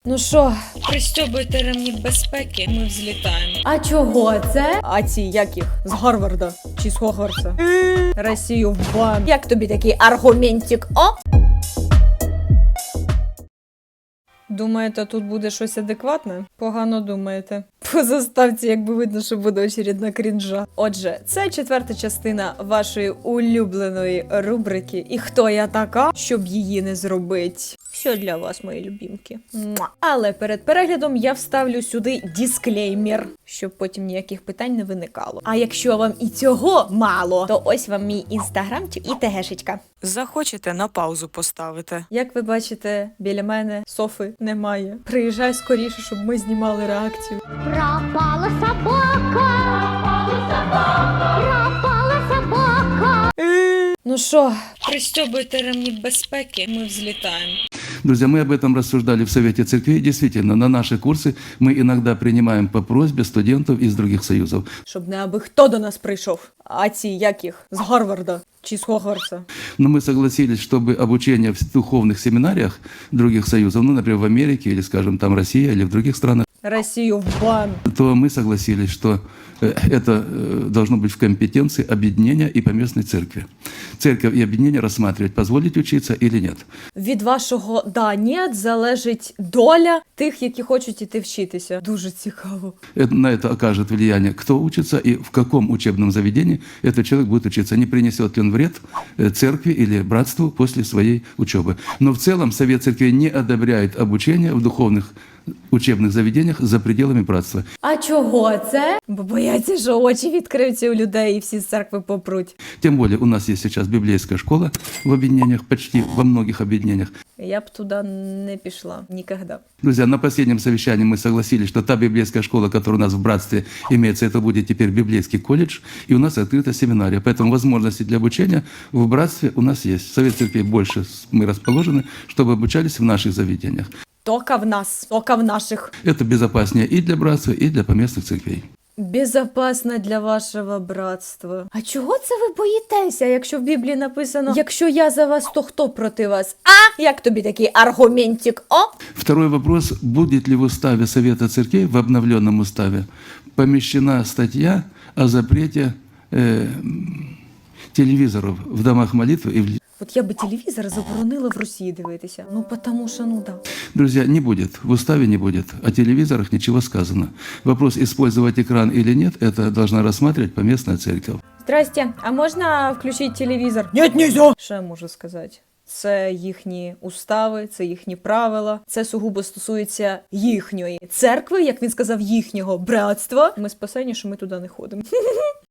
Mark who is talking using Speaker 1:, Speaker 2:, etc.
Speaker 1: Ну що, пристьобуйте ремні безпеки, ми взлітаємо. А чого це? А ці як їх? З Гарварда чи з Хогвартса? Росію в бан. Як тобі такий аргументик, о? Думаєте, тут буде щось адекватне? Погано думаєте. По заставці, якби видно, що буде очередна крінжа. Отже, це 4-та частина вашої улюбленої рубрики «І хто я така, щоб її не зробить?» Все для вас, мої любімки. Муа. Але перед переглядом я вставлю сюди дисклеймер, щоб потім ніяких питань не виникало. А якщо вам і цього мало, то ось вам мій інстаграмчик і тегешечка.
Speaker 2: Захочете, на паузу поставити.
Speaker 1: Як ви бачите, біля мене Софи немає. Приїжджай скоріше, щоб ми знімали реакцію.
Speaker 3: Пропала собака! Пропала собака!
Speaker 1: Ну що, пристьобуйте ремні безпеки, ми взлітаємо.
Speaker 4: Друзья, мы об этом рассуждали в Совете Церквей. Действительно, на наши курсы мы иногда принимаем по просьбе студентов из других союзов.
Speaker 1: Щоб не аби хто до нас прийшов. А ці як їх? З Гарварда чи з Хогвартса?
Speaker 4: Но мы согласились, чтобы обучение в духовных семинариях других союзов, ну, например, в Америке или, скажем, там Россия или в других странах,
Speaker 1: Росію в бан.
Speaker 4: то мы согласились, что это должно быть в компетенции объединения и поместной церкви. Церковь и объединение рассматривать, позволить учиться или нет.
Speaker 1: Від вашого «да-нет» залежить доля тих, які хочуть іти вчитися. Дуже цікаво.
Speaker 4: На это окажет влияние, кто учится и в каком учебном заведении этот человек будет учиться. Не принесет ли он вред церкви или братству после своей учебы. Но в целом Совет Церквей не одобряет обучение в духовных учебных заведениях за пределами братства.
Speaker 1: А чого це? Бо бояться, що очі відкриються у людей і всі з церкви попруть.
Speaker 4: Тем более у нас есть сейчас библейская школа в объединениях, почти во многих объединениях.
Speaker 1: Я б туди не пішла. Ніколи.
Speaker 4: Друзья, на последнем совещании мы согласились, что та библейская школа, которая у нас в братстве имеется, это будет теперь библейский колледж, и у нас открыта семинария. Поэтому возможности для обучения в братстве у нас есть. Совет Церквей больше мы расположены, чтобы обучались в наших заведениях.
Speaker 1: Тока в нас, тока в наших.
Speaker 4: Это безопаснее и для братства, и для поместных церквей.
Speaker 1: Безопасно для вашого братства. А чого це ви боїтеся, якщо в Біблії написано «Якщо я за вас, то хто проти вас?» А? Як тобі такий аргументик, о?
Speaker 4: Второй вопрос. Будет ли в уставе Совета Церквей, в обновленном уставе, помещена статья о запрете телевизоров в домах молитвы и в...
Speaker 1: От я би телевізор заборонила в Росії дивитися. Ну, потому що, ну да.
Speaker 4: Друзья, не будет, в уставе не будет, о телевизорах ничего сказано. Вопрос, использовать экран или нет, это должна рассматривать поместная церковь.
Speaker 1: Здрасте, а можна включити телевізор? Нет, нельзя! Що я можу сказати? Це їхні устави, це їхні правила, це сугубо стосується їхньої церкви, як він сказав, їхнього братства. Ми спасені, що ми туди не ходимо.